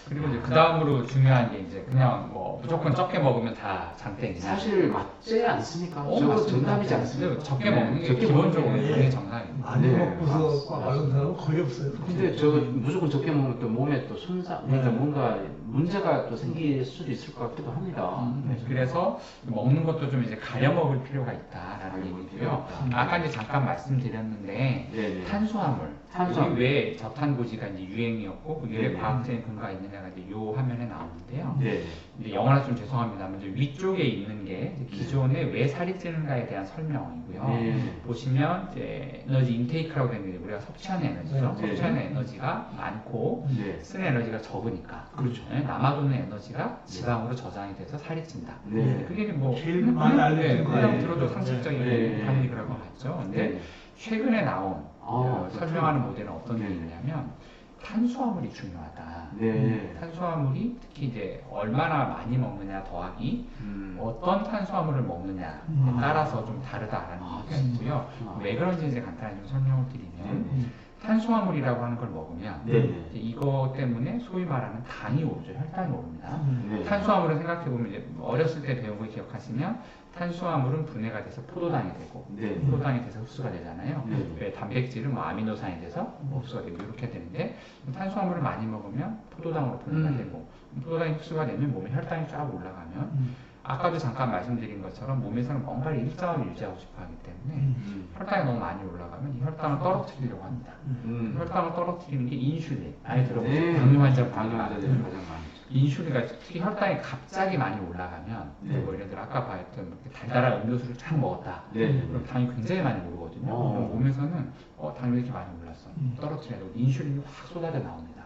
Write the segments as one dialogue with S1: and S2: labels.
S1: 그리고 이제 그 다음으로 중요한 게 이제 그냥 뭐 무조건 적게 먹으면 다 장땡이냐.
S2: 사실 맞지 않습니까? 저거
S1: 맞습니다.
S2: 정답이지 않습니까?
S1: 적게
S2: 네,
S1: 먹는 게
S2: 적게
S1: 기본적으로
S2: 먹는 게.
S1: 당연히 정상입니다.
S3: 많이
S2: 네,
S3: 먹고서 마른 사람은 거의 없어요.
S2: 근데 저 무조건 적게 먹으면 또 몸에 또 손상, 그러니까
S3: 네.
S2: 뭔가 문제가 또 생길 수도 있을 것 같기도 합니다.
S1: 그래서 먹는 것도 좀 이제 가려 먹을 필요가 있다라는 얘기고요. 아까 이제 잠깐 말씀드렸는데
S2: 네네.
S1: 탄수화물,
S2: 탄수화물.
S1: 왜 저탄고지가 이제 유행이었고 그게 왜
S2: 네네.
S1: 과학적인 근거가 있느냐가 이제 요 화면에 나오는데요.
S2: 네.
S1: 이제 영어라 좀 죄송합니다만 이제 위쪽에 있는 게 이제 기존에 왜 살이 찌는가에 대한 설명이고요.
S2: 네.
S1: 보시면 이제 에너지 인테이크라고 되는 게 우리가 섭취하는 에너지죠.
S2: 네.
S1: 섭취하는 에너지가 많고
S2: 네.
S1: 쓰는 에너지가 적으니까
S2: 그렇죠.
S1: 남아도는 에너지가 지방으로 저장이 돼서 살이 찐다.
S2: 네.
S1: 그게 뭐
S3: 제일 많이 알려진
S1: 그냥
S3: 거예요.
S1: 들어도
S3: 네.
S1: 상식적인
S2: 네.
S1: 당연히 그럴 것 같죠. 근데
S2: 네.
S1: 최근에 나온
S2: 그렇죠.
S1: 설명하는 모델은 어떤
S2: 네.
S1: 게 있냐면 탄수화물이 중요하다.
S2: 네.
S1: 탄수화물이 특히 이제 얼마나 많이 먹느냐 더하기 어떤 탄수화물을 먹느냐에 따라서 좀 다르다라는 얘기가 있고요. 왜 그런지 이제 간단히 좀 설명을 드리면
S2: 네.
S1: 탄수화물이라고 하는 걸 먹으면
S2: 네.
S1: 이제 이거 때문에 소위 말하는 당이 오르죠. 혈당이 오릅니다.
S2: 네.
S1: 탄수화물은 생각해보면 이제 어렸을 때 배운 거 기억하시면 탄수화물은 분해가 돼서 포도당이 되고
S2: 네.
S1: 포도당이 돼서 흡수가 되잖아요.
S2: 네.
S1: 왜 단백질은 뭐 아미노산이 돼서 흡수가 되고 이렇게 되는데 탄수화물을 많이 먹으면 포도당으로 분해가 되고 포도당이 흡수가 되면 몸에 혈당이 쫙 올라가면 아까도 잠깐 말씀드린 것처럼 몸에서는 뭔가를 일정하게 유지하고 싶어 하기 때문에 혈당이 너무 많이 올라가면 이 혈당을 떨어뜨리려고 합니다. 혈당을 떨어뜨리는 게 인슐린. 많이 들어보셨죠?
S2: 네.
S1: 당뇨 환자
S2: 당뇨 환자들이 가장 많죠.
S1: 인슐린가 특히 혈당이 갑자기 많이 올라가면
S2: 네.
S1: 뭐 예를 들어 아까 봤던 이렇게 달달한 음료수를 쫙 먹었다.
S2: 네.
S1: 그럼 당이 굉장히 많이 오르거든요. 그럼 몸에서는 당이 왜 이렇게 많이 올랐어? 떨어뜨려야 되고 인슐린이 확 쏟아져 나옵니다.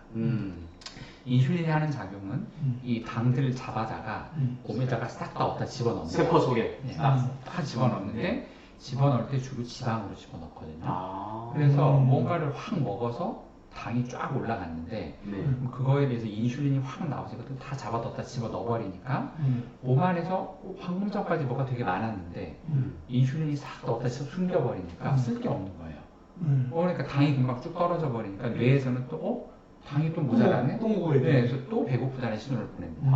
S1: 인슐린이 하는 작용은 이 당들을 잡아다가 몸에다가 싹 다 얻다 집어넣는
S2: 세포 속에.
S1: 다 집어넣는데 집어넣을 때 주로 지방으로 집어넣거든요.
S2: 아.
S1: 그래서 뭔가를 확 먹어서 당이 쫙 올라갔는데
S2: 네.
S1: 그럼 그거에 대해서 인슐린이 확 나오죠. 그것도 다 잡아뒀다 집어 넣어버리니까 몸 안에서 방금 전까지 뭐가 되게 많았는데 인슐린이 싹 넣었다 집어 숨겨버리니까 쓸 게 없는 거예요. 그러니까 당이 금방 쭉 떨어져 버리니까 뇌에서는 또 당이 또 모자라네?
S3: 또 먹어야 돼.
S1: 네, 그래서 또 배고프다는 신호를 보냅니다.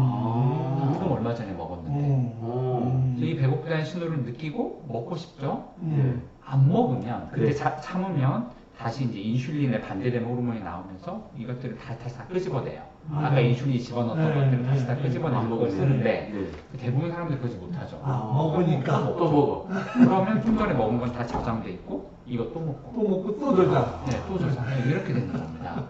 S1: 방금 얼마 전에 먹었는데 그래서 이 배고프다는 신호를 느끼고 먹고 싶죠? 안 먹으면 근데
S2: 네.
S1: 참으면 다시 이제 인슐린에 반대되는 호르몬이 나오면서 이것들을 다시 다 끄집어내요. 아까 인슐린이 집어넣었던 것들을 다시 다 끄집어내는 걸 쓰는데 대부분 사람들이 그러지 못하죠.
S3: 먹으니까
S2: 또 먹어.
S1: 그러면 좀 전에 먹은 건 다 저장돼 있고 이거 또 먹고
S3: 또 먹고 또 저자.
S1: 네, 또 저장. 이렇게 되는 겁니다.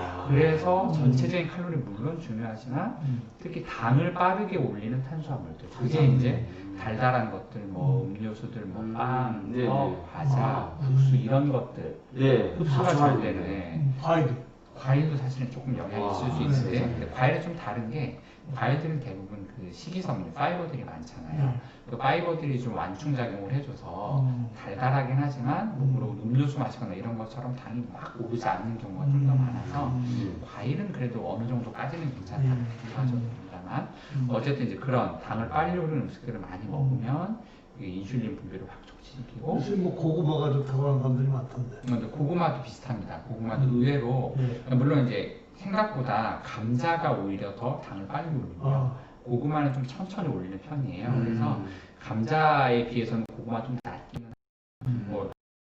S1: 그래서 전체적인 칼로리 물론 중요하지만 특히 당을 빠르게 올리는 탄수화물들 그게 이제 달달한 것들 뭐 음료수들 뭐 빵,
S2: 네,
S1: 떡,
S2: 네.
S1: 과자, 국수 이런 것들
S2: 네.
S1: 흡수가 잘 되는
S3: 과일도.
S1: 과일도 사실은 조금 영향이 있을 수
S2: 네,
S1: 있는데
S2: 네.
S1: 근데 과일은 좀 다른 게 과일들은 대부분 그 식이섬유 파이버들이 많잖아요. 그 파이버들이 좀 완충작용을 해줘서 달달하긴 하지만 뭐 음료수 마시거나 이런 것처럼 당이 막 오르지 않는 경우가 좀 더 많아서 과일은 그래도 어느 정도까지는 괜찮다 하죠.다만 어쨌든 이제 그런 당을 빨리 오르는 음식들을 많이 먹으면 이게 인슐린 분비를 확 촉진시키고
S3: 요새 뭐 고구마가 좋다고 하는 사람들이 많던데.
S1: 근데 고구마도 비슷합니다. 고구마도 의외로 물론 이제 생각보다 감자가 오히려 더 당을 빨리 올리고요. 고구마는 좀 천천히 올리는 편이에요. 그래서 감자에 비해서는 고구마 좀 낫기는 뭐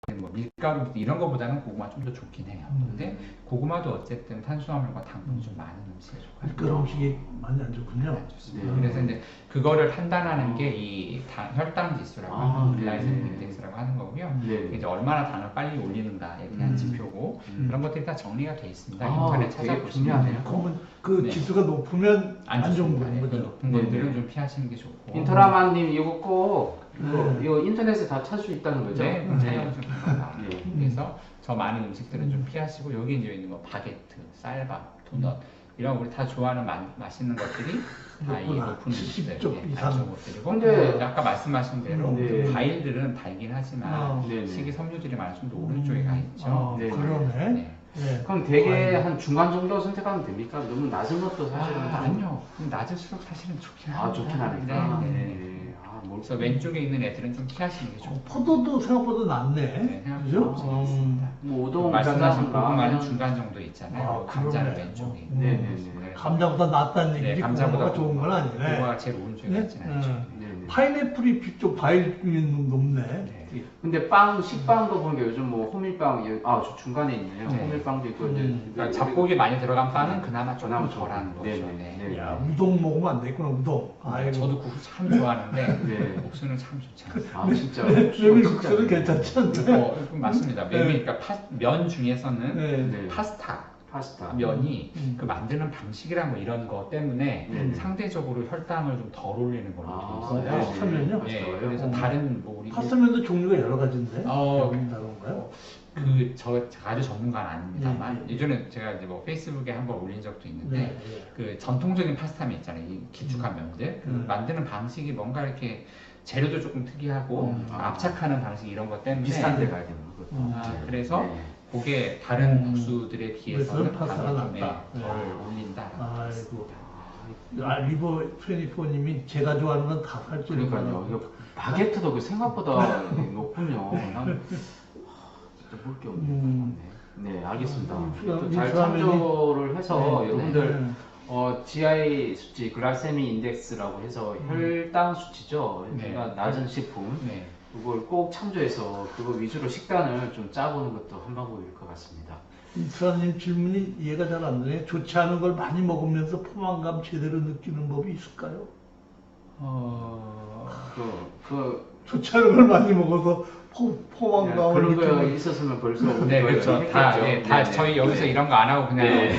S1: 밀가루 이런 거보다는 고구마 좀 더 좋긴 해요. 근데 고구마도 어쨌든 탄수화물과 당분이 좀 많은 음식에 속하죠.
S3: 그런 음식이 많이 안 좋군요.
S1: 좋습니다. 그래서 이제 그거를 판단하는 게 이 혈당 지수라고 하는 글라이세믹 인덱스라고 하는 거고요.
S2: 네.
S1: 이제 얼마나 당을 빨리 올리는가에 대한 지표고 그런 것들이 다 정리가 돼 있습니다. 인터넷
S2: 되게
S1: 찾아보시면
S2: 중요하네요.
S3: 그러면 그
S1: 네.
S3: 지수가 높으면 안 좋은
S1: 좋습니다.
S3: 거는
S1: 그
S3: 거죠.
S1: 높은 것들은 좀 피하시는 게 좋고.
S2: 인터라만님 이거 꼭 이거 인터넷에 다 찾을 수 있다는 거죠?
S1: 네, 찾아보시면 됩니다.
S2: 네.
S1: 그래서 저 많은 음식들은 좀 피하시고 여기 이제 있는 거 바게트, 쌀밥, 도넛 이런 우리 다 좋아하는 맛있는 것들이 다 이
S3: 높구나.
S1: 높은 음식들,
S3: 10쪽
S1: 다
S3: 이상.
S1: 좋은 것들이고
S2: 근데
S1: 아까 말씀하신 대로
S2: 네.
S1: 그 과일들은 달긴 하지만
S2: 네네.
S1: 식이섬유질이 많아서 좀 더 오른쪽에 가 있죠.
S2: 네.
S3: 그러네.
S1: 네.
S3: 네.
S2: 그럼 되게 한 중간 정도 선택하면 됩니까? 너무 낮은 것도 사실은
S1: 아니요. 낮을수록 사실은 좋긴 합니다.
S2: 좋긴 하니까.
S1: 네, 네.
S2: 네.
S1: 그래서 왼쪽에 있는 애들은 좀 피하시는 게 좋고.
S3: 포도도 생각보다 낫네.
S1: 네,
S3: 그죠?
S2: 뭐 우동,
S1: 말씀하신
S2: 짜장,
S1: 고구마는
S2: 라면.
S1: 중간 정도 있잖아요.
S3: 아,
S1: 감자는
S3: 그러네.
S1: 왼쪽에.
S2: 네네네.
S3: 감자보다 낫다는
S1: 네,
S3: 얘기지
S1: 감자보다
S3: 고구마가 좋은 건 아니네.
S1: 고구마가 제일 오른쪽에
S3: 네?
S1: 있지는 않죠.
S2: 네네.
S3: 파인애플이 좀 과일 중에 높네.
S1: 네.
S2: 근데 식빵도 보니까 요즘 뭐 호밀빵, 저 중간에 있네요.
S1: 네.
S2: 호밀빵도 있고,
S1: 그러니까 잡곡이 많이 들어간 빵은 그나마 조금
S2: 그나마
S1: 덜한 거죠.
S2: 네네.
S1: 네.
S3: 야, 우동 먹으면 안 되겠구나, 우동. 아이고.
S1: 저도 국수 참 좋아하는데
S2: 네.
S1: 국수는 참 좋지 않아요.
S2: 아, 진짜.
S3: 메밀국수는 괜찮지 않나요?
S1: 맞습니다. 그러니까 면 중에서는
S3: 네.
S2: 네.
S1: 파스타
S2: 파스타.
S1: 면이 그 만드는 방식이랑 뭐 이런 거 때문에
S2: 네.
S1: 상대적으로 혈당을 좀 덜 올리는 걸로 돼 있어요.
S2: 네.
S3: 파스타면요?
S1: 네,
S2: 파스타요?
S1: 그래서 다른 뭐 우리
S3: 파스타면도 종류가 여러 가지인데.
S1: 어,
S3: 다른가요?
S1: 제가 아주 전문가는 아닙니다만 예전에 제가 이제 뭐 페이스북에 한번 올린 적도 있는데
S3: 네.
S1: 그 전통적인 파스타면 있잖아요. 이 기축한 면들 그 만드는 방식이 뭔가 이렇게 재료도 조금 특이하고 압착하는 방식 이런 것 때문에
S2: 비슷한 데 가야 되는 거.
S1: 그래서
S2: 네.
S1: 그게 다른 국수들에 비해서는
S3: 그래서 파스타가
S1: 당이 좀
S3: 낫다.
S1: 덜 올린다.
S3: 아이고. 리버 24님이 제가 좋아하는 건 다 살 수
S2: 그러니까요. 이거 바게트도 생각보다 높군요. 난 진짜 볼 게 없네. 네, 알겠습니다. 또 잘 참조를 해서 여러분들 GI 수치, 글라세미 인덱스라고 해서 혈당 수치죠.
S1: 네.
S2: 그러니까 낮은 식품.
S1: 네.
S2: 그걸 꼭 참조해서 그거 위주로 식단을 좀 짜보는 것도 한 방법일 것 같습니다.
S3: 이수아님 질문이 이해가 잘 안 되네. 좋지 않은 걸 많이 먹으면서 포만감 제대로 느끼는 법이 있을까요? 좋지 않은 걸 많이 먹어서 포만감을
S2: 그런 거
S3: 느끼는
S2: 있었으면 벌써
S1: 네, 그렇죠. 다
S2: 했겠죠.
S1: 저희 여기서 이런 거 안 하고 그냥
S2: 네.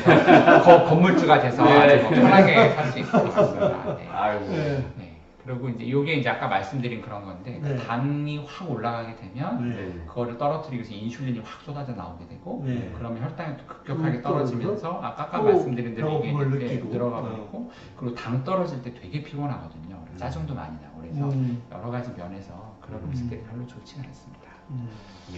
S1: 건물주가 돼서 아주 뭐 편하게 살 수 있을 것 같습니다. 네.
S2: 아이고.
S3: 네.
S1: 네. 그리고 이게 이제 아까 말씀드린 그런 건데
S3: 네.
S1: 당이 확 올라가게 되면
S3: 네.
S1: 그거를 떨어뜨리기 위해서 인슐린이 확 쏟아져 나오게 되고
S3: 네.
S1: 그러면 혈당이 또 급격하게
S3: 또
S1: 떨어지면서 아까
S3: 또
S1: 말씀드린 대로 이게
S3: 배고픔을
S1: 이렇게
S3: 느끼고.
S1: 늘어가 버리고 그리고 당 떨어질 때 되게 피곤하거든요. 짜증도 많이 나고 그래서 여러 가지 면에서 그런 음식들이 별로 좋지는 않습니다.
S2: 네.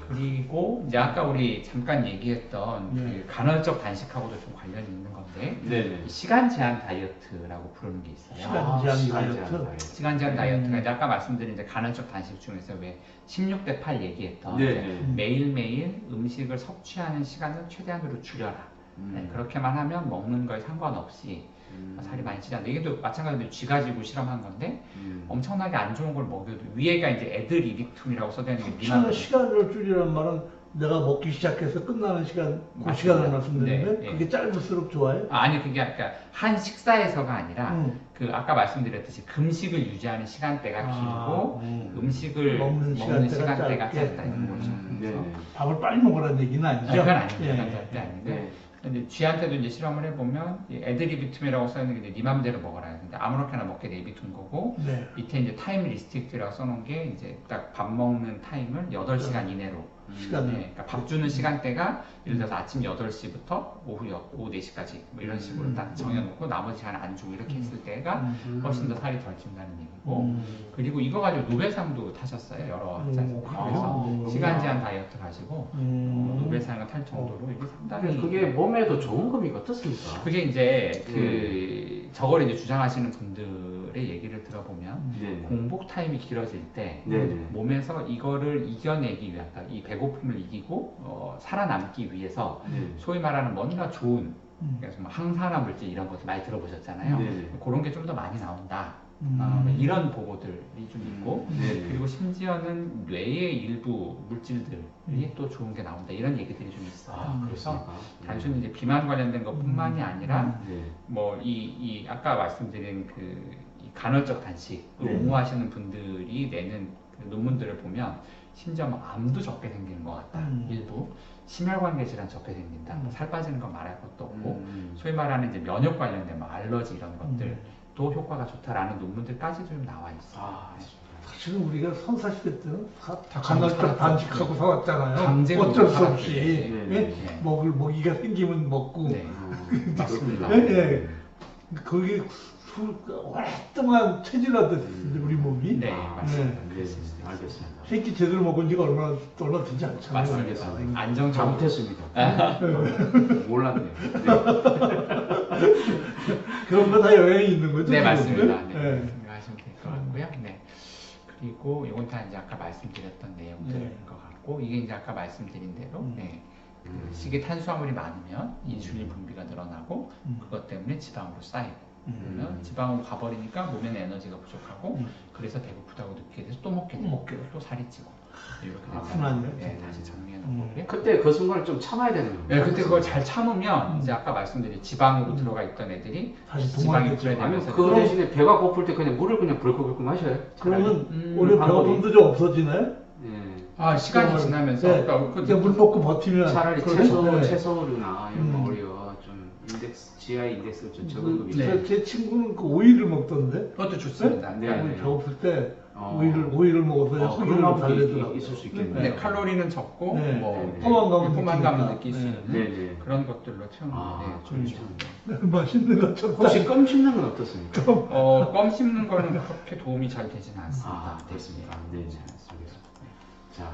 S1: 그리고 이제 아까 우리 잠깐 얘기했던
S3: 네.
S1: 그 간헐적 단식하고도 좀 관련이 있는 건데
S2: 네네.
S1: 시간 제한 다이어트라고 부르는 게 있어요.
S3: 시간 제한 다이어트?
S1: 시간 제한 다이어트가 이제 아까 말씀드린 이제 간헐적 단식 중에서 왜 16대 8 얘기했던
S2: 네.
S1: 이제 매일매일 음식을 섭취하는 시간을 최대한으로 줄여라. 네, 그렇게만 하면 먹는 거에 상관없이 살이 많이 찌지 않는다. 이게 또 마찬가지로 쥐 가지고 실험한 건데 엄청나게 안 좋은 걸 먹여도 위에가 이제 애들 이빅툼이라고 써져 있는 게
S3: 섭취하는 시간을 줄이란 말은 내가 먹기 시작해서 끝나는 시간, 그
S1: 맞습니다.
S3: 시간을 말씀드리는데
S1: 네,
S3: 그게 짧을수록 좋아요?
S1: 아니 그게 그러니까 한 식사에서가 아니라 그 아까 말씀드렸듯이 금식을 유지하는 시간대가 길고 음식을 먹는 시간대가 짧다 이런 거죠. 그래서
S3: 밥을 빨리 먹으라는 얘기는 아니죠?
S1: 그건 아닙니다.
S3: 예.
S1: 그건 절대 아닌데.
S2: 네.
S1: 근데 쥐한테도 이제 실험을 해보면 애들이 비툼이라고 써있는 게 이제 네 맘대로 먹어라. 근데 아무렇게나 먹게 내비둔 거고
S3: 네.
S1: 밑에 이제 타임 리스트릭트라고 써놓은 게 이제 딱 밥 먹는 타임을 8시간 이내로.
S3: 시간을.
S1: 네, 그러니까 밥 주는 시간대가 예를 들어서 아침 8시부터 오후 4시까지 뭐 이런 식으로 딱 정해놓고 나머지 시간 안 주고 이렇게 했을 때가 훨씬 더 살이 덜 찐다는 얘기고 그리고 이거 가지고 노벨상도 타셨어요. 여러 학자에서. 그래서 시간 제한 다이어트 가지고 노벨상을 탈 정도로 이게 상당히
S2: 그게 몸에도 좋은 겁니까? 어떻습니까?
S1: 그게 이제 저걸 이제 주장하시는 분들의 얘기를 들어보면
S2: 네.
S1: 공복 타임이 길어질 때
S2: 네.
S1: 몸에서 이거를 이겨내기 위한 그러니까 이 배고픔을 이기고 살아남기 위해서 소위 말하는 뭔가 좋은 그래서 뭐 항산화 물질 이런 것도 많이 들어보셨잖아요.
S2: 네.
S1: 그런 게 좀 더 많이 나온다. 뭐 이런 보고들이 좀 있고
S2: 네.
S1: 그리고 심지어는 뇌의 일부 물질들이 또 좋은 게 나온다 이런 얘기들이 좀 있어요. 그래서 단순히 이제 비만 관련된 것뿐만이 아니라
S2: 네.
S1: 뭐 이 아까 말씀드린 이 간헐적 단식을
S2: 네.
S1: 옹호하시는 분들이 내는 그 논문들을 보면 심지어 뭐 암도 적게 생기는 것 같다. 일부 심혈관계 질환 적게 생긴다. 살 빠지는 건 말할 것도 없고 소위 말하는 이제 면역 관련된 뭐 알러지 이런 것들도 효과가 좋다라는 논문들까지도 좀 나와 있어요.
S3: 사실은 우리가 선사시대 때는
S1: 다
S3: 간헐적 단식하고 살았잖아요.
S1: 강제로
S3: 어쩔 수
S1: 살았죠.
S3: 없이
S1: 네.
S3: 예?
S1: 네.
S3: 먹이가 생기면 먹고
S1: 네, 맞습니다.
S3: 예, 예. 거기 오랫동안 체질화됐는데 우리 몸이
S1: 네, 맞습니다.
S2: 네. 알겠습니다.
S3: 새끼 제대로 먹은 지가 얼마 되지 않잖아요.
S1: 맞습니다. 안정적으로
S2: 잘못했습니다. 몰랐네요.
S3: 그런 거 다 영향이 있는 거죠?
S1: 네,
S3: 지금?
S1: 맞습니다. 네,
S3: 네.
S1: 생각하시면 될 것 같고요. 네. 그리고 이건 다 이제 아까 말씀드렸던 내용들인
S3: 네.
S1: 것 같고 이게 이제 아까 말씀드린 대로 네. 그
S2: 음.
S1: 식이 탄수화물이 많으면 인슐린 분비가 늘어나고
S3: 음.
S1: 그것 때문에 지방으로 쌓이고 그러면
S2: 음.
S1: 지방으로 가버리니까 몸에는 에너지가 부족하고
S3: 음.
S1: 그래서 배고프다고 느끼게 돼서 또 먹게 되고 또 살이 찌고 이렇게
S3: 아프나요?
S1: 된다는 네, 다시 정리해 놓은 거고요.
S2: 그때 그 순간을 좀 참아야 되는 거예요.
S1: 네, 그때 그걸 잘 참으면 이제 아까 말씀드린 지방으로 들어가 있던 애들이
S3: 다시
S1: 지방이
S3: 동화되죠.
S2: 아니면
S1: 분해되면서
S2: 그 대신에 배가 고플 때 그냥 물을 그냥 벌컥벌컥 마셔요.
S3: 그러면 오히려
S2: 방법이.
S3: 배고픔도 좀 없어지나요?
S2: 예.
S1: 시간이 지나면서
S3: 네.
S1: 그러니까
S3: 그냥 물 먹고 버티면
S2: 차라리
S3: 그러면, 네.
S2: 채소류나 이런 거
S3: 음.
S2: 오히려 좀 GI 인덱스가 좀 적은 거
S1: 네.
S3: 제 친구는 그 오이를 먹던데.
S1: 그것도 좋습니다.
S2: 네.
S1: 네.
S3: 오늘 배고플 때
S2: 어.
S3: 오이를 먹어서
S2: 그런
S3: 호르몬
S2: 방법이
S3: 달래더라고요.
S2: 있을 수 있겠네요.
S1: 네, 칼로리는 적고
S3: 네.
S1: 뭐
S2: 네.
S3: 포만감을
S1: 포만감을 느낄 수
S3: 느끼니까.
S1: 있는
S2: 네, 네.
S1: 그런 것들로 채우는
S2: 아,
S1: 게 좋죠.
S2: 그렇죠.
S3: 맛있는 것처럼.
S2: 혹시 껌 씹는 건 어떻습니까?
S1: 껌 씹는 거는 그렇게 도움이 잘 되지는 않습니다.
S2: 아, 그렇습니까? 네, 네. 자,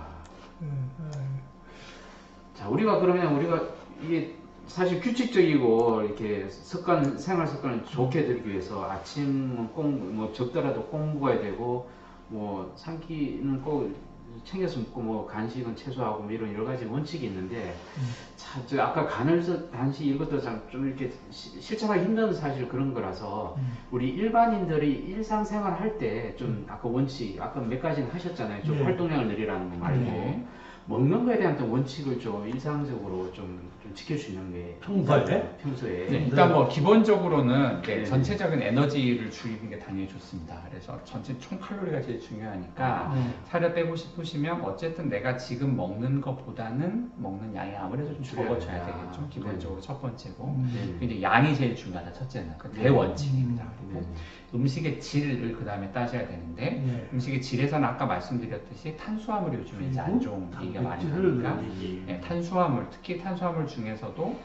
S2: 자, 우리가 이게 사실 규칙적이고 이렇게 생활 습관을 좋게 들기 위해서 아침은 꼭 뭐 적더라도 꼭 먹어야 되고 뭐 삼키는 꼭 챙겨서 먹고 뭐 간식은 최소화하고 뭐 이런 여러 가지 원칙이 있는데 자, 저 아까 간식 이것도 좀 이렇게 실천하기 힘든 사실 그런 거라서 우리 일반인들이 일상생활 할 때 좀 아까 원칙 아까 몇 가지는 하셨잖아요. 좀
S3: 네.
S2: 활동량을 늘리라는 거 말고
S1: 네.
S2: 먹는 거에 대한 또 원칙을 좀 일상적으로 좀 지킬 수 있는 게
S3: 평소에?
S2: 평소에
S1: 네, 일단 뭐 기본적으로는
S2: 네.
S1: 전체적인 에너지를 줄이는 게 당연히 좋습니다. 그래서 전체 총 칼로리가 제일 중요하니까
S3: 네.
S1: 살을 빼고 싶으시면 어쨌든 내가 지금 먹는 것보다는 먹는 양이 아무래도 좀 적어져야
S2: 줄여야
S1: 되겠죠. 기본적으로 첫 번째고
S2: 네.
S1: 이제 양이 제일 중요하다. 첫째는 그
S2: 네.
S1: 대원칙입니다. 그리고
S2: 네.
S1: 음식의 질을 그 다음에 따져야 되는데
S3: 네.
S1: 음식의 질에서는 아까 말씀드렸듯이 탄수화물이 요즘에 이제 안 좋은 얘기가 많이
S3: 단백질을
S1: 나니까 네, 탄수화물 특히 탄수화물 중에서도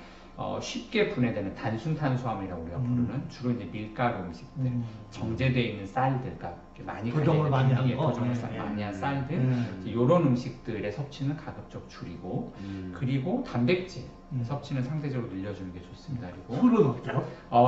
S1: 쉽게 분해되는 단순 탄수화물이라고 우리가 부르는 주로 이제 밀가루 음식들, 정제되어 있는 쌀들, 그러니까 많이
S3: 고정을 많이 한 거.
S1: 고정을
S3: 네.
S1: 많이 한 쌀들,
S3: 네.
S1: 이런 음식들의 섭취는 가급적 줄이고 그리고 단백질 섭취는 상대적으로 늘려주는 게 좋습니다. 그리고
S3: 술은 어때요?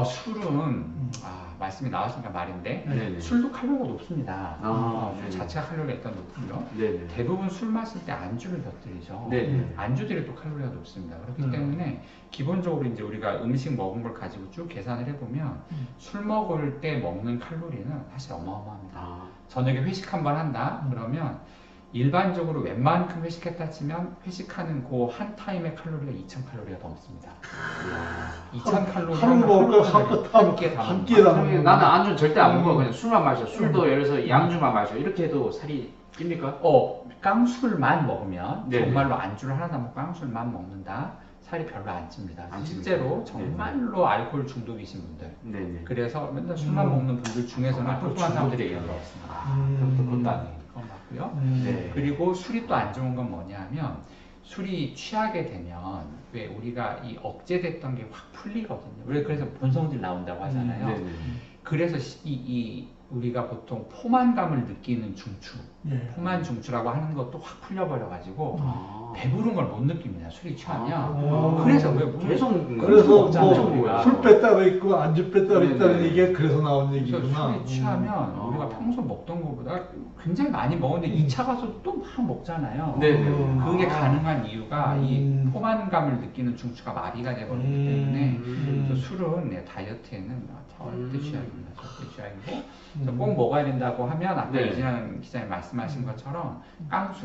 S1: 술은 말씀이 나왔으니까 말인데
S2: 네네.
S1: 술도 칼로리가 높습니다. 술
S2: 네네.
S1: 자체가 칼로리가 일단 높고요.
S2: 네네.
S1: 대부분 술 마실 때 안주를 곁들이죠.
S2: 네네.
S1: 안주들이 또 칼로리가 높습니다. 그렇기 때문에 기본적으로 이제 우리가 음식 먹은 걸 가지고 쭉 계산을 해보면 술 먹을 때 먹는 칼로리는 사실 어마어마합니다. 저녁에 회식 한 번 한다 그러면 일반적으로 웬만큼 회식했다 치면 회식하는 그 한 타임의 칼로리가 2,000칼로리가 넘습니다. 2,000칼로리
S3: 하루 먹을
S1: 한끼에 다
S3: 한 끼에 다
S1: 먹는
S3: 먹는
S2: 나는 안주 절대 안 먹어. 그냥 술만 마셔. 술도 예를 들어서 양주만 마셔. 이렇게 해도 살이 찝니까?
S1: 깡술만 먹으면
S2: 네네.
S1: 정말로 안주를 하나 먹고 깡술만 먹는다. 살이 별로 안 찝니다.
S2: 안
S1: 실제로
S2: 찝니까?
S1: 정말로 알코올 중독이신 분들
S2: 네네.
S1: 그래서 맨날 술만 먹는 분들 중에서는 뚱뚱한 사람들이 얘기한 거 없습니다.
S2: 그럼 또 그것도 아니에요.
S1: 그건 맞고요.
S2: 네.
S1: 그리고 술이 또 안 좋은 건 뭐냐면 술이 취하게 되면 왜 우리가 이 억제됐던 게 확 풀리거든요. 그래서 본성질 나온다고 하잖아요.
S2: 네네.
S1: 그래서 우리가 보통 포만감을 느끼는 중추,
S3: 예.
S1: 포만 중추라고 하는 것도 확 풀려버려가지고
S2: 아.
S1: 배부른 걸 못 느낍니다. 술이 취하면.
S3: 아.
S1: 그래서 왜
S2: 계속
S3: 그래서
S1: 먹잖아요, 우리가.
S3: 뭐술 뺐다고 있고 안주 뺐다고
S2: 네네.
S3: 있다는 얘기가 그래서 나온
S1: 그래서
S3: 얘기구나.
S1: 술이 취하면 우리가 평소 먹던 것보다 굉장히 많이 먹었는데 2차 가서 또 막 먹잖아요.
S2: 네네.
S1: 그게 가능한 이유가 이
S3: 음.
S1: 포만감을 느끼는 중추가 마비가 되버리기 때문에 그래서 술은 다이어트에는 절대 취약입니다. 절대 취약이고 그래서 꼭 먹어야 된다고 하면 아까
S2: 네.
S1: 이진환 기자님 말씀하신 것처럼 깡술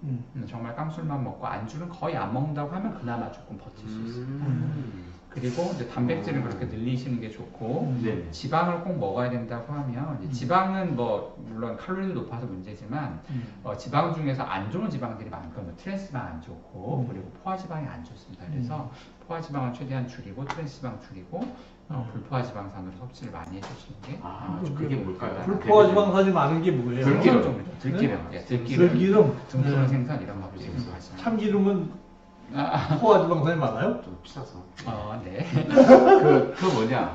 S1: 정말 깡술만 먹고 안주는 거의 안 먹는다고 하면 그나마 조금 버틸 수 있습니다. 그리고 이제 단백질은 그렇게 늘리시는 게 좋고
S2: 네.
S1: 지방을 꼭 먹어야 된다고 하면 이제 지방은 뭐 물론 칼로리도 높아서 문제지만 지방 중에서 안 좋은 지방들이 많거든요. 트랜스지방 안 좋고 그리고 포화지방이 안 좋습니다. 그래서 포화지방을 최대한 줄이고 트랜스지방 줄이고 불포화지방산으로 섭취를 많이 해주시는 게
S2: 그게 뭘까요?
S3: 불포화지방산이 많은 게 뭐예요?
S1: 들기름, 들기름,
S3: 들기름,
S1: 등푸른 생선 이런 거 드시는 거 하시면
S3: 참기름은 포화지방산이 많아요?
S2: 좀 비싸서.
S1: 네.
S2: 그 뭐냐.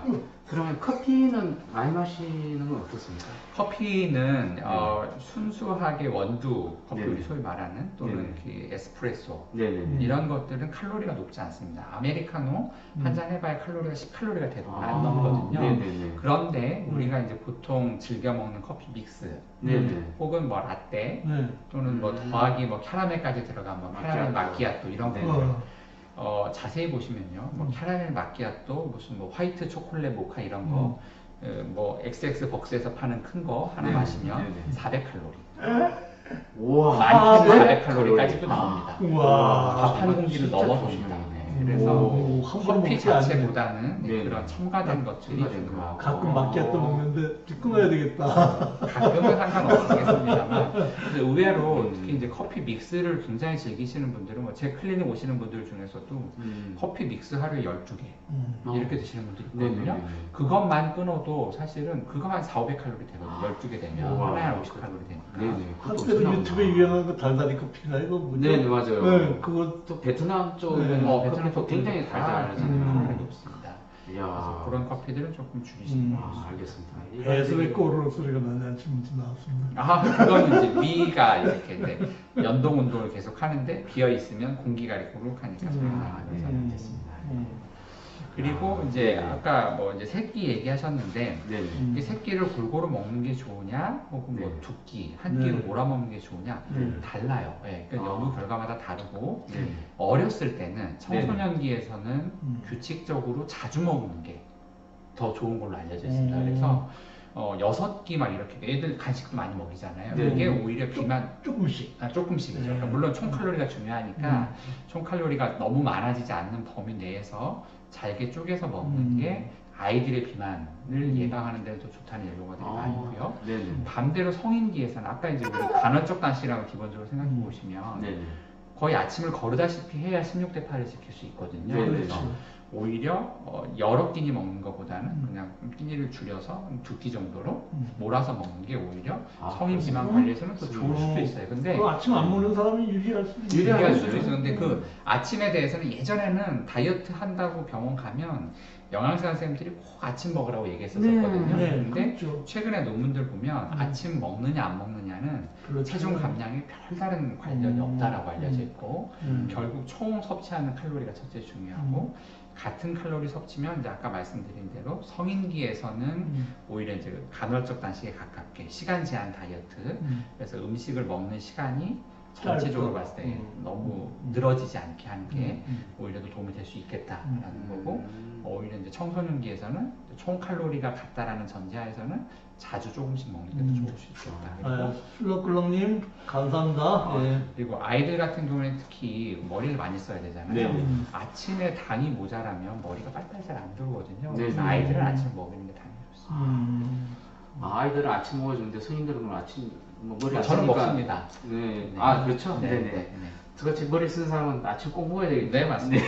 S2: 그러면 커피는 많이 마시는 건 어떻습니까?
S1: 커피는 순수하게 원두 커피
S2: 네네.
S1: 우리 소위 말하는 또는 그 에스프레소
S2: 네네.
S1: 이런 것들은 칼로리가 높지 않습니다. 아메리카노 한 잔 해봐야 칼로리가 10칼로리가 대부분 안
S2: 아,
S1: 넘거든요.
S2: 네네네.
S1: 그런데 우리가 이제 보통 즐겨 먹는 커피 믹스
S2: 네네.
S1: 혹은 뭐 라떼
S3: 네.
S1: 또는 뭐 더하기 뭐 캐러멜까지 들어간 뭐 캐러멜 마키아또 이런
S2: 네.
S1: 거를 자세히 보시면요, 뭐 캐러멜 마키아또 무슨 뭐 화이트 초콜릿 모카 이런 거, 뭐 XX 벅스에서 파는 큰 거 하나
S2: 네.
S1: 마시면
S2: 네.
S1: 400칼로리,
S2: 우와.
S1: 많게는 400칼로리까지도 나옵니다.
S3: 우와.
S1: 밥 한 공기를
S2: 진짜
S1: 넘어섭니다.
S2: 조심해야
S1: 네, 그래서
S3: 오, 함부로
S1: 커피
S3: 먹지 않네.
S1: 자체보다는
S2: 네.
S1: 그런 첨가된 것들이
S2: 첨가된
S1: 좀
S2: 거.
S3: 가끔 마키아또 먹는데 끊어야 되겠다.
S1: 가끔은 상관없겠습니다만 근데 의외로 특히 이제 커피 믹스를 굉장히 즐기시는 분들은 뭐 제 클리닉 오시는 분들 중에서도 커피 믹스 하루에 12개 이렇게 드시는 분들이 있거든요.
S2: 네네네.
S1: 그것만 끊어도 사실은 그거 한 4,500칼로리 되거든요. 12개 되면
S2: 우와.
S1: 하나에 한 50칼로리 되니까.
S2: 네네. 그것도
S3: 한때는
S2: 엄청나구나.
S3: 유튜브에 유행한 거 달달이 커피인가 이거 뭐죠?
S2: 네네, 맞아요.
S3: 네, 그거
S2: 또 베트남 쪽은
S3: 네.
S1: 베트남
S2: 커피도 굉장히 달달하잖아요.
S1: 칼로리 높습니다.
S2: 이야.
S1: 그래서 그런 커피들은 조금 줄이시는 게
S2: 아,
S1: 좋습니다.
S2: 알겠습니다.
S3: 배에서 왜 꼬르륵 소리가 나지 아침부터 나왔습니다.
S1: 그거는 이제 위가 이렇게 이제 연동 운동을 계속 하는데 비어 있으면 공기가 이렇게 우룩하니까 소리가 나면서
S2: 알겠습니다.
S1: 그리고 이제 아까 뭐 이제 새끼 얘기하셨는데
S2: 네네.
S1: 이 새끼를 골고루 먹는 게 좋으냐 혹은 뭐
S2: 네.
S1: 두 끼, 한 끼로
S3: 네.
S1: 몰아 먹는 게 좋으냐
S3: 네.
S1: 달라요. 예, 그러니까 연구 결과마다 다르고
S2: 네.
S1: 어렸을 때는 청소년기에서는 규칙적으로 자주 먹는 게 더 좋은 걸로 알려져 있습니다. 그래서 6끼 막 이렇게 애들 간식도 많이 먹이잖아요.
S2: 네.
S1: 그게 오히려 비만
S3: 조금씩.
S1: 조금씩이죠. 그러니까 물론 총 칼로리가 중요하니까 총 칼로리가 너무 많아지지 않는 범위 내에서 잘게 쪼개서 먹는 게 아이들의 비만을 예방하는 데는 더 좋다는 연구가 되게 많고요.
S2: 네네.
S1: 반대로 성인기에서는 아까 이제 우리 간헐적 단식이라고 기본적으로 생각해 보시면
S2: 네네.
S1: 거의 아침을 거르다시피 해야 16대 8을 지킬 수 있거든요.
S2: 네,
S1: 그래서
S3: 그렇죠.
S1: 오히려 여러 끼니 먹는 것보다는 그냥 끼니를 줄여서 2끼 정도로 몰아서 먹는 게 오히려 성인 비만 관리에서는 더 좋을 수도 있어요. 근데
S3: 그 아침 안 먹는 사람이 유리할 수도 있어요.
S1: 유리할 수도 있어요. 근데 그 아침에 대해서는 예전에는 다이어트 한다고 병원 가면 영양사 선생님들이 꼭 아침 먹으라고 얘기했었거든요.
S3: 네,
S1: 근데
S3: 그렇죠.
S1: 최근에 논문들 보면 아침 먹느냐 안 먹느냐는
S3: 그렇죠.
S1: 체중 감량에 별다른 관련이 없다라고 알려져 있고
S3: 음.
S1: 결국 총 섭취하는 칼로리가 첫째 중요하고 같은 칼로리 섭취면 이제 아까 말씀드린 대로 성인기에서는 오히려 이제 간헐적 단식에 가깝게 시간 제한 다이어트 그래서 음식을 먹는 시간이 전체적으로 봤을 때 너무 늘어지지 않게 하는 게 오히려 더 도움이 될 수 있겠다라는 거고 오히려 이제 청소년기에서는 총 칼로리가 같다라는 전제하에서는 자주 조금씩 먹는 게 더 좋을 수 있겠다. 그리고
S3: 슬럭글럭님 감사합니다. 예.
S1: 그리고 아이들 같은 경우에는 특히 머리를 많이 써야 되잖아요.
S2: 네.
S1: 아침에 당이 모자라면 머리가 빨빨 잘 안 들거든요.
S2: 네.
S1: 그래서 아이들은 아침 먹이는 게 당연히 좋습니다.
S2: 아이들은 아침 먹어주는데 성인들은 그럼 아침 뭐 머리 안
S1: 저는
S2: 쓰니까-
S1: 먹습니다.
S2: 네.
S1: 네.
S2: 아 그렇죠.
S1: 네,
S2: 네네.
S1: 네, 네.
S2: 저같이 머리 쓰는 사람은 아침 꼭 먹어야 되겠죠.
S1: 네, 맞습니다.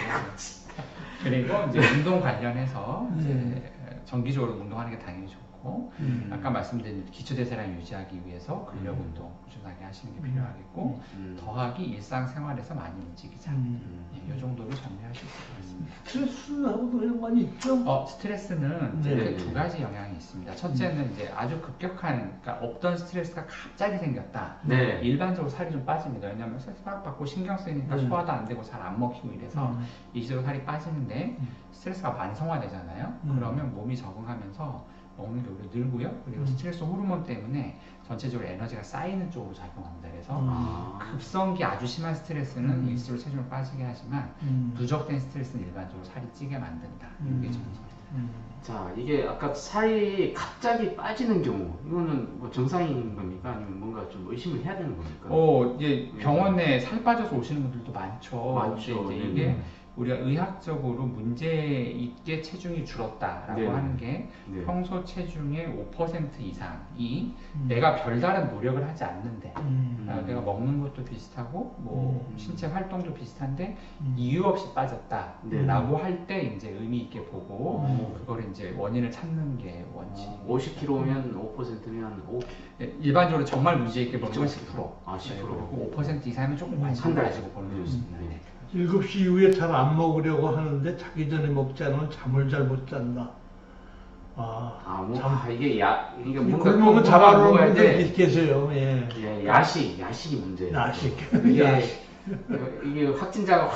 S1: 그리고 이제 운동 관련해서 이제 정기적으로 운동하는 게 당연히 좋고 아까 말씀드린 기초대사량 유지하기 위해서 근력 운동 꾸준하게 하시는 게 필요하겠고 더하기 일상생활에서 많이 움직이자 이 정도로 정리하실 수 있습니다.
S3: 스트레스하고도 연관이 있죠?
S1: 스트레스는 이제
S3: 네.
S1: 크게 두 가지 영향이 있습니다. 첫째는 이제 아주 급격한, 그러니까 없던 스트레스가 갑자기 생겼다.
S2: 네.
S1: 일반적으로 살이 좀 빠집니다. 왜냐하면 스트레스 막 받고 신경 쓰이니까 소화도 안 되고 잘 안 먹히고 이래서 일시적으로 살이 빠지는데 스트레스가 만성화되잖아요. 그러면 몸이 적응하면서 먹는 게 오히려 늘고요. 그리고 스트레스 호르몬 때문에 전체적으로 에너지가 쌓이는 쪽으로 작용합니다. 그래서 급성기 아주 심한 스트레스는 일시적으로 체중을 빠지게 하지만 누적된 스트레스는 일반적으로 살이 찌게 만든다. 이게 정답입니다.
S2: 자, 이게 아까 살이 갑자기 빠지는 경우, 이거는 뭐 정상인 겁니까? 아니면 뭔가 좀 의심을 해야 되는 겁니까?
S1: 이제 병원에 살 빠져서 오시는 분들도 많죠.
S2: 많죠.
S1: 근데 이제
S2: 네.
S1: 이게 우리가 의학적으로 문제 있게 체중이 줄었다라고
S2: 네.
S1: 하는 게
S2: 네.
S1: 평소 체중의 5% 이상이 내가 별다른 노력을 하지 않는데 내가 먹는 것도 비슷하고 뭐 신체 활동도 비슷한데 이유 없이 빠졌다라고 할 때 이제 의미 있게 보고 그걸 이제 원인을 찾는 게 원칙.
S2: 50kg면 5%면 5.
S1: 일반적으로 정말 문제 있게 보는 건 10%.
S2: 아, 10%.
S1: 그리고 5% 이상이면 조금 관심
S2: 한 달.
S1: 가지고 보는 게 좋습니다.
S2: 네.
S3: 7시 이후에 잘 안 먹으려고 하는데 자기 전에 먹지 않으면 잠을 잘 못 잔다.
S2: 이게
S3: 이
S2: 뭔가
S3: 굶으면
S2: 꼭
S3: 잡아놓은
S2: 먹어야
S3: 분들
S2: 돼.
S3: 계세요. 예.
S2: 예, 야식이 문제예요.
S3: 야식.
S2: 이게,
S3: 야식.
S2: 이게 확진자가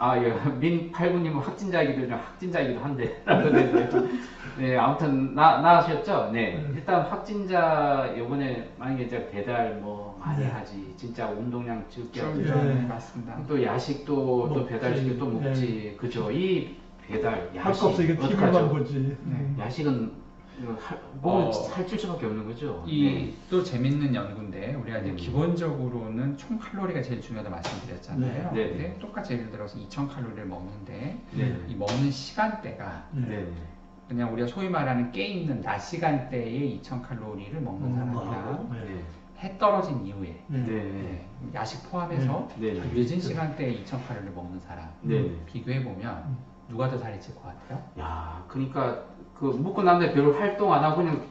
S2: 민 팔구님은 확진자이기도 한데. 네, 아무튼 나으셨죠? 네. 일단 확진자 요번에 만약에 이제 배달 뭐 많이
S3: 네.
S2: 하지. 진짜 운동량 적게 하고
S3: 네.
S1: 맞습니다.
S2: 또 야식도 또
S3: 먹지.
S2: 배달시켜 또 먹지.
S3: 네.
S2: 그죠? 이 배달
S3: 할
S2: 야식
S3: 거 없어. 이게 TV만
S2: 어떡하죠?
S3: 보지.
S2: 야식은 살찔 수밖에 없는 거죠.
S1: 이 또 재밌는 연구인데 우리가 이제
S2: 음.
S1: 기본적으로는 총 칼로리가 제일 중요하다고 말씀드렸잖아요.
S2: 네.
S1: 근데 똑같이 예를 들어서 2,000칼로리를 먹는데
S2: 네.
S1: 이 먹는 시간대가
S2: 네.
S1: 그냥 우리가 소위 말하는 깨 있는 낮 시간대에 2,000칼로리를 먹는 사람이랑
S3: 하고.
S2: 네.
S1: 해 떨어진 이후에
S2: 네.
S1: 네, 야식 포함해서
S2: 네. 네.
S1: 늦은 시간대에 2,000칼로리를 먹는 사람
S2: 네.
S1: 비교해 보면 누가 더 살이 찔 것 같아요?
S2: 야, 그러니까 그 먹고 난 다음에 별로 활동 안 하고 그냥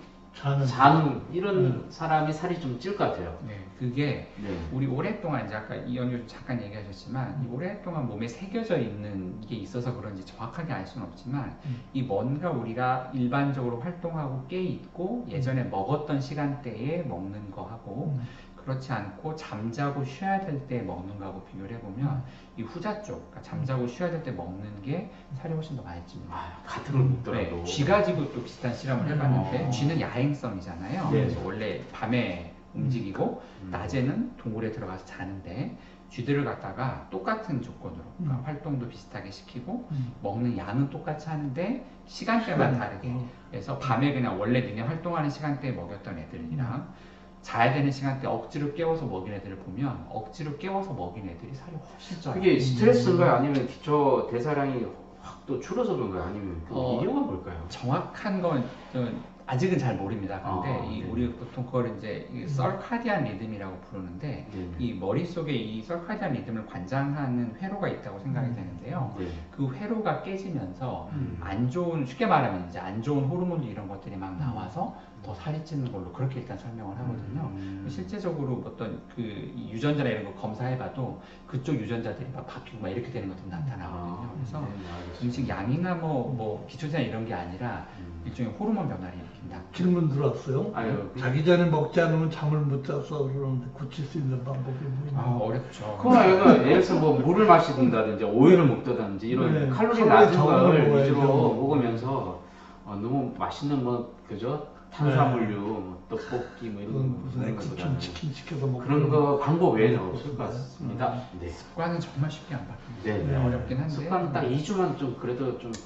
S2: 자는 이런 사람이 살이 좀 찔 것 같아요.
S1: 네, 그게
S2: 네.
S1: 우리 오랫동안 이제 아까 이현주 잠깐 얘기하셨지만 이 오랫동안 몸에 새겨져 있는 게 있어서 그런지 정확하게 알 수는 없지만 이 뭔가 우리가 일반적으로 활동하고 깨 있고 예전에 먹었던 시간대에 먹는 거하고 그렇지 않고 잠자고 쉬어야 될 때 먹는 거하고 비교를 해보면 이 후자 쪽, 그러니까 잠자고 쉬어야 될 때 먹는 게 살이 훨씬 더 많이 찝니다.
S2: 같은 걸 먹더라도.
S1: 네, 쥐 가지고 또 비슷한 실험을 해봤는데
S2: 어.
S1: 쥐는 야행성이잖아요.
S2: 네.
S1: 그래서 원래 밤에 움직이고 낮에는 동굴에 들어가서 자는데 쥐들을 갖다가 똑같은 조건으로 그러니까 활동도 비슷하게 시키고 먹는 양은 똑같이 하는데 시간대만 다르게 그래서 밤에 그냥 원래 니네 활동하는 시간대에 먹였던 애들이랑 자야 되는 시간대 억지로 깨워서 먹인 애들을 보면 억지로 깨워서 먹인 애들이 살이 훨씬 쪄요.
S2: 그게 스트레스인가요? 아니면 기초 대사량이 확 또 줄어서 그런가요? 아니면 그 이유가 뭘까요?
S1: 정확한 건 아직은 잘 모릅니다. 근데
S2: 네.
S1: 우리 보통 그걸 이제 이 서카디안 리듬이라고 부르는데
S2: 네.
S1: 이 머릿속에 이 서카디안 리듬을 관장하는 회로가 있다고 생각이 되는데요.
S2: 네.
S1: 그 회로가 깨지면서 안 좋은, 쉽게 말하면 이제 안 좋은 호르몬들 이런 것들이 막 나와서 더 살이 찌는 걸로 그렇게 일단 설명을 하거든요. 실제적으로 어떤 이 유전자나 이런 거 검사해봐도 그쪽 유전자들이 막 바뀌고 막 이렇게 되는 것도 나타나거든요. 그래서 음식 양이나 뭐 기초제나 이런 게 아니라 일종의 호르몬 변화를 일으킨다.
S3: 질문 들어왔어요.
S2: 아유,
S3: 자기 전에 먹지 않으면 잠을 못 자서 그러는데 고칠 수 있는 방법이 뭐 있나요?
S1: 어렵죠.
S2: 그거나 예를 들어서 뭐 물을 마시든지 오이를 먹든지 이런
S3: 네,
S2: 칼로리
S3: 칼로리
S2: 낮은
S3: 적은
S2: 걸
S3: 걸
S2: 위주로
S3: 먹어야죠.
S2: 먹으면서 너무 맛있는 뭐 그죠? 탄수화물류, 뭐 떡볶이 뭐 이런 거
S3: 무슨
S2: 먹는 것보다는
S3: 치킨 시켜서 먹고
S2: 그런 거 방법 외에는 없을 것 같습니다. 네.
S1: 습관은 정말 쉽게 안 바뀝니다.
S2: 네.
S1: 네, 어렵긴 한데
S2: 습관 딱 2주만 좀 그래도 좀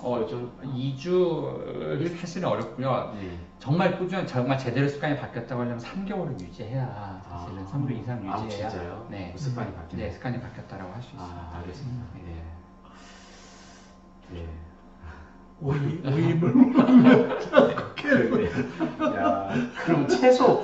S1: 2주 사실은 어렵고요.
S2: 네.
S1: 정말 꾸준히 정말 제대로 습관이 바뀌었다고 하려면 3개월을 유지해야 사실은 3주 이상 유지해야
S2: 진짜요?
S1: 네,
S2: 습관이 바뀌네.
S1: 네, 습관이 바뀌었다라고 할 수 있습니다.
S2: 알겠습니다. 네. 네.
S3: 오이물
S2: 네. 야, 그럼 채소.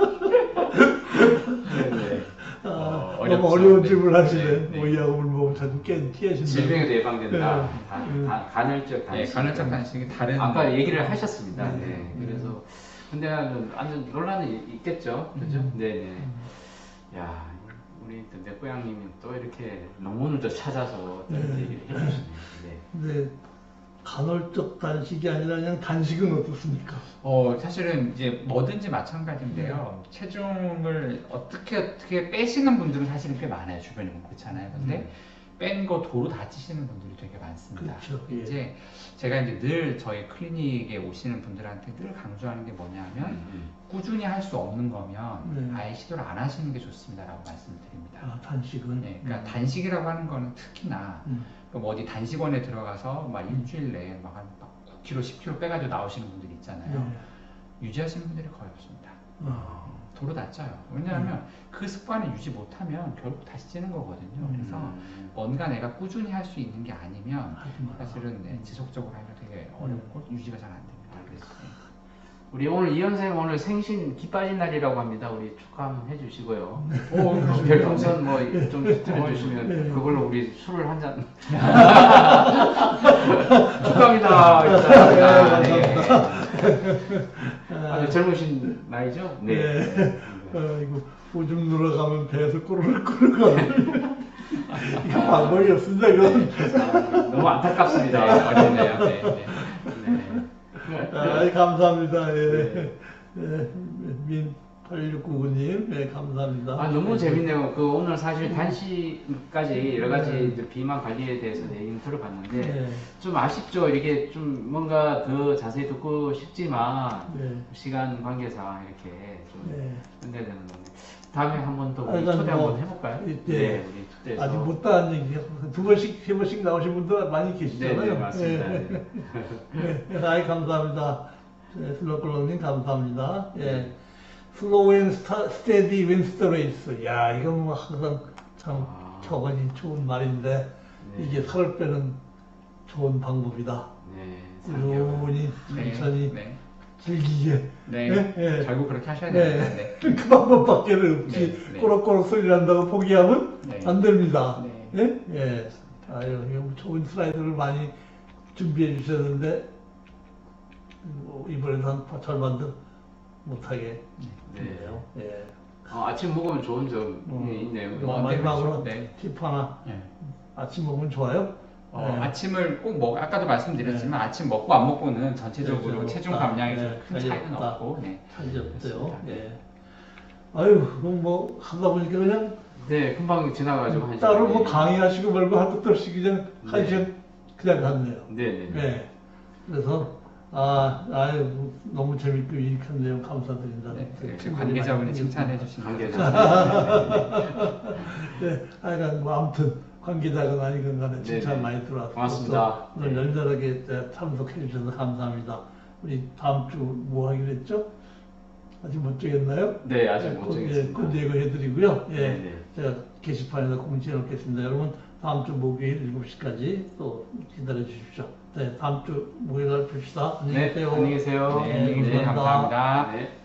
S2: 네네.
S3: 너무 어려운 질문 하시네.
S1: 네, 네.
S3: 오이하고 물 먹으면 자주 깨신다.
S2: 질병에도 예방된다.
S3: 네.
S2: 간헐적 단식.
S1: 네, 간헐적 단식이 다른
S2: 아까 얘기를 하셨습니다. 네.
S3: 네.
S2: 그래서 근데 완전 논란이 있겠죠. 그죠? 네네. 야, 우리 내고양님이 또 이렇게 논문을 또 찾아서 또 이렇게 얘기를 해주시네요. 네.
S3: 근데 간헐적 단식이 아니라 그냥 단식은 어떻습니까?
S1: 사실은 이제 뭐든지 마찬가지인데요. 체중을 어떻게 빼시는 분들은 사실은 꽤 많아요. 주변에 보면 그렇잖아요. 근데 뺀 거 도로 다치시는 분들이 되게 많습니다.
S3: 그렇죠. 예.
S1: 이제 제가 이제 늘 저희 클리닉에 오시는 분들한테 늘 강조하는 게 뭐냐면 꾸준히 할 수 없는 거면 아예 시도를 안 하시는 게 좋습니다라고 말씀을 드립니다.
S3: 단식은?
S1: 네, 그러니까 단식이라고 하는 거는 특히나 뭐 어디 단식원에 들어가서 막 일주일 내에 막 한 9kg, 10kg 빼가지고 나오시는 분들이 있잖아요. 유지하시는 분들이 거의 없습니다. 도로 다쳐요. 왜냐하면 그 습관을 유지 못하면 결국 다시 찌는 거거든요. 그래서 뭔가 내가 꾸준히 할 수 있는 게 아니면 사실은 지속적으로 하면 되게 어렵고 유지가 잘 안 됩니다. 그래서
S2: 우리 오늘 이현생 오늘 생신 기 빠진 날이라고 합니다. 우리 축하 한번 해주시고요. 별풍선 뭐 좀 들어주시면 그걸로 우리 술을 한 잔. 축하합니다. 아주 젊으신 나이죠? 네.
S3: 이거 오줌 누러가면 배에서 꼬르륵 이거 방법이 없습니다. 이건.
S2: 너무 안타깝습니다.
S1: 어렵네요. 네.
S2: 네.
S3: 감사합니다. 예. 예. 민 8699님, 네, 감사합니다.
S2: 너무 재밌네요. 오늘 사실 단시까지 여러 가지 이제 비만 관리에 대해서 얘기를 들어봤는데,
S3: 네.
S2: 좀 아쉽죠. 이렇게 좀 뭔가 더 자세히 듣고 싶지만,
S3: 네.
S2: 시간 관계상 이렇게 좀
S3: 네.
S2: 끝내야 되는 건데, 다음에 한 번 더 우리
S3: 일단
S2: 초대
S3: 뭐,
S2: 한번 해볼까요?
S3: 네.
S2: 우리 초대해서.
S3: 아직 못다한 얘기, 2번씩, 3번씩 나오신 분들 많이 계시잖아요.
S2: 네, 맞습니다.
S3: 예. 네, 아이, 감사합니다. 슬로클로님, 감사합니다. 예. 슬로우 앤 스테디 윈스 더 레이스. 야, 이건 뭐 항상 참 격언이 좋은 말인데,
S2: 네.
S3: 이게 살을 빼는 좋은 방법이다.
S2: 네,
S3: 꾸준히, 천천히,
S1: 네.
S3: 즐기게.
S1: 네.
S3: 네, 네.
S1: 결국 그렇게 하셔야 됩니다. 네.
S3: 그 방법밖에 없지.
S1: 네, 네.
S3: 꼬락꼬락 소리 난다고 포기하면
S1: 네.
S3: 안 됩니다.
S1: 네.
S3: 예? 예. 아유, 이거 좋은 슬라이드를 많이 준비해 주셨는데, 이번에는 한 절반도 못하게 됐네요. 예.
S2: 아침 먹으면 좋은 점이 있네요.
S3: 마지막으로
S1: 네.
S3: 팁 하나.
S1: 네.
S3: 아침 먹으면 좋아요? 네.
S1: 아침을 꼭 아까도 말씀드렸지만 아침 먹고 안 먹고는 전체적으로
S3: 네,
S1: 체중
S3: 없다.
S1: 감량에
S3: 네,
S1: 큰 차이는
S3: 없다.
S1: 없고. 네.
S3: 차이 없어요.
S1: 그렇습니다.
S3: 예. 아유, 그럼 뭐 하다 보니까 그냥
S2: 네, 금방 지나가지고 한
S3: 따로
S2: 시간이.
S3: 뭐 강의하시고 말고 한두 떨씩 그냥 한
S2: 네.
S3: 시간 그냥 갔네요.
S2: 네네.
S3: 네. 그래서 아유 너무 재밌고 유익한 내용 감사드립니다.
S1: 네. 역시
S3: 친구들이
S1: 관계자분이
S3: 많이
S1: 칭찬해 주신
S2: 관계자.
S3: 네, 하여간 뭐 아무튼 관계자건 아니건 간에 칭찬
S2: 네네.
S3: 많이 들어왔고
S2: 고맙습니다.
S3: 또 오늘
S2: 네.
S3: 열렬하게 참석해 주셔서 감사합니다. 우리 다음 주 뭐 하기로 했죠? 아직 못 정했나요?
S2: 네, 아직 못 정했습니다.
S3: 곧 예고해드리고요. 예,
S2: 네네.
S3: 제가 게시판에다 공지해 놓겠습니다. 여러분 다음 주 목요일 7시까지 또 기다려 주십시오. 네, 다음 주 목요일 날 뵙시다. 안녕히
S2: 네,
S3: 계세요.
S2: 안녕히 계세요.
S1: 네,
S3: 네,
S1: 감사합니다.
S2: 네.